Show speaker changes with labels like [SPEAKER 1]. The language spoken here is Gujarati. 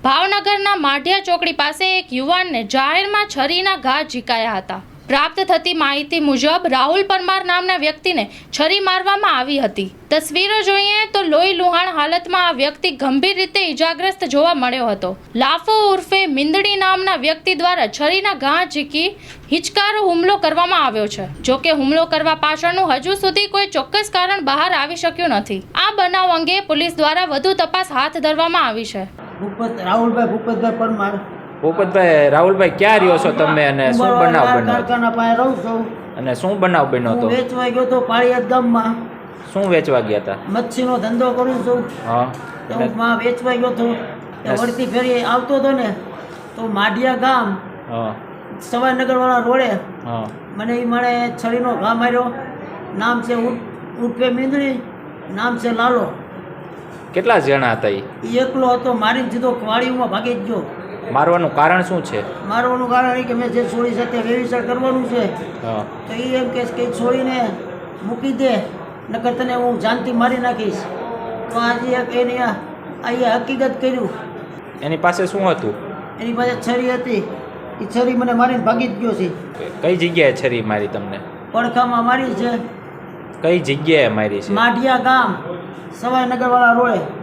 [SPEAKER 1] ભાવનગરના માઢિયા ચોકડી પાસે એક યુવાનને જાહેરમાં છરીના ઘા ઝીકાયા હતા। પ્રાપ્ત થતી માહિતી મુજબ રાહુલ પરમાર નામના વ્યક્તિને છરી મારવામાં આવી હતી। તસવીરો જોઈએ તો લોહી લુહાણ હાલતમાં આ વ્યક્તિ ગંભીર રીતે ઈજાગ્રસ્ત જોવા મળ્યો હતો। લાફો ઉર્ફે મિંદડી નામના વ્યક્તિ દ્વારા છરીના ઘા ઝીકી હિચકારો હુમલો કરવામાં આવ્યો છે। જો કે હુમલો કરવા પાછળનું હજુ સુધી કોઈ ચોક્કસ કારણ બહાર આવી શક્યું નથી। આ બનાવ અંગે પોલીસ દ્વારા વધુ તપાસ હાથ ધરવામાં આવી છે।
[SPEAKER 2] રાહુલભાઈ ભૂપતભાઈ પરમાર।
[SPEAKER 3] ભૂપતભાઈ, રાહુલભાઈ ક્યાં રહ્યો છો તમે અને શું બનાવ બન્યો?
[SPEAKER 2] કારખાના પાસે રહું છું।
[SPEAKER 3] અને શું બનાવ બન્યો હતો?
[SPEAKER 2] વેચવા ગયો તો પાળિયાદ ગામમાં।
[SPEAKER 3] શું વેચવા ગયા હતા?
[SPEAKER 2] મચ્છીનો ધંધો કરું છું।
[SPEAKER 3] હા,
[SPEAKER 2] તો માં વેચવા ગયો તો વળતી ફેરી આવતો હતો ને તો માઢિયા ગામ
[SPEAKER 3] હા
[SPEAKER 2] સવાઈનગર વાળા રોડે
[SPEAKER 3] હા
[SPEAKER 2] મને એ માણે છરીનો ઘા માર્યો। નામ છે ઉર્ફે મિંદડી, નામ છે લાલો।
[SPEAKER 3] કેટલા જણા હતા એ?
[SPEAKER 2] એકલો હતો, મારીને સીધો વાડીમાં ભાગી જ ગયો।
[SPEAKER 3] મારવાનું કારણ શું છે?
[SPEAKER 2] મારવાનું કારણ એ કે મેં જે છોડી સાથે વ્યવસાય કરવાનું છે
[SPEAKER 3] હા
[SPEAKER 2] તો એ એમ કહેશ કે છોડીને મૂકી દે, નકર તને હું જાનથી મારી નાખીશ। તો આજે એક એની અહીંયા હકીકત કર્યું।
[SPEAKER 3] એની પાસે શું હતું?
[SPEAKER 2] એની પાસે છરી હતી, એ છરી મને મારીને ભાગી જ ગયો છે।
[SPEAKER 3] કઈ જગ્યાએ છરી મારી તમને?
[SPEAKER 2] પડખામાં મારી છે,
[SPEAKER 3] કઈ જગ્યાએ મારી છે?
[SPEAKER 2] માઢિયા ગામ સવાઈનગર વાળા રોડે।